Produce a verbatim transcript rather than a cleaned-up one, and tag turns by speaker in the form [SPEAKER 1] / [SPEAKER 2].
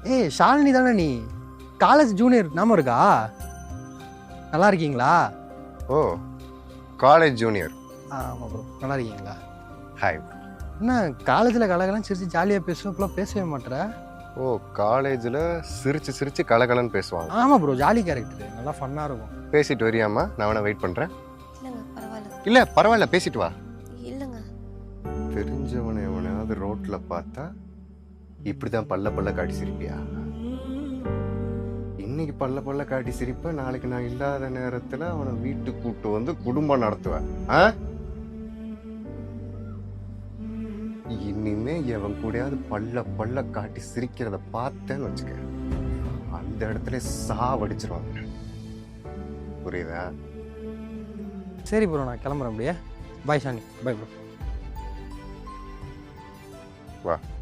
[SPEAKER 1] ஏய் ஷாலினி தானே நீ? காலேஜ் ஜூனியர் ஞாபகம் இருக்கா? நல்லா இருக்கீங்களா?
[SPEAKER 2] ஓ காலேஜ் ஜூனியர்.
[SPEAKER 1] ஆமாம் ப்ரோ, நல்லா இருக்கீங்களா?
[SPEAKER 2] ஹாய்.
[SPEAKER 1] என்ன காலேஜில் கலகலாம் சிரிச்சு ஜாலியாக பேசுவோம், இப்போலாம் பேசவே மாட்டேற?
[SPEAKER 2] ஓ காலேஜில் சிரிச்சு சிரிச்சு கலகலன்னு பேசுவாங்க.
[SPEAKER 1] ஆமாம் ப்ரோ, ஜாலி கேரக்டர், நல்லா ஃபன்னாக இருக்கும்.
[SPEAKER 2] பேசிட்டு வரியாமா? நான் வேணா வெயிட் பண்ணுறேன்.
[SPEAKER 3] இல்லைங்க பரவாயில்ல.
[SPEAKER 2] இல்லை பரவாயில்ல, பேசிட்டு வா.
[SPEAKER 3] இல்லைங்க.
[SPEAKER 2] தெரிஞ்சவனை எவனையாவது ரோட்டில் பார்த்தா இப்படி தான் பல்ல பல்ல காட்டி சிரிப்பியா? இன்னைக்கு பல்ல பல்ல காட்டி சிரிப்ப, நாளைக்கு நான் இல்லாத நேரத்தில் அவனை வீட்டுக்கு கூப்பிட்டு வந்து குடும்பம் நடத்துவேன். ஆ இனிமே எவன் கூடயாவது பல்ல பல்ல காட்டி சிரிக்கிறத பார்த்தேன்னு வச்சுக்க, அந்த இடத்துல சாவடிச்சிருவாங்க. புரியுதா?
[SPEAKER 1] சரி ப்ரோ, நான் கிளம்புறேன் அப்படியே. பாய் ஷாலினி. Bye bro.
[SPEAKER 2] வா.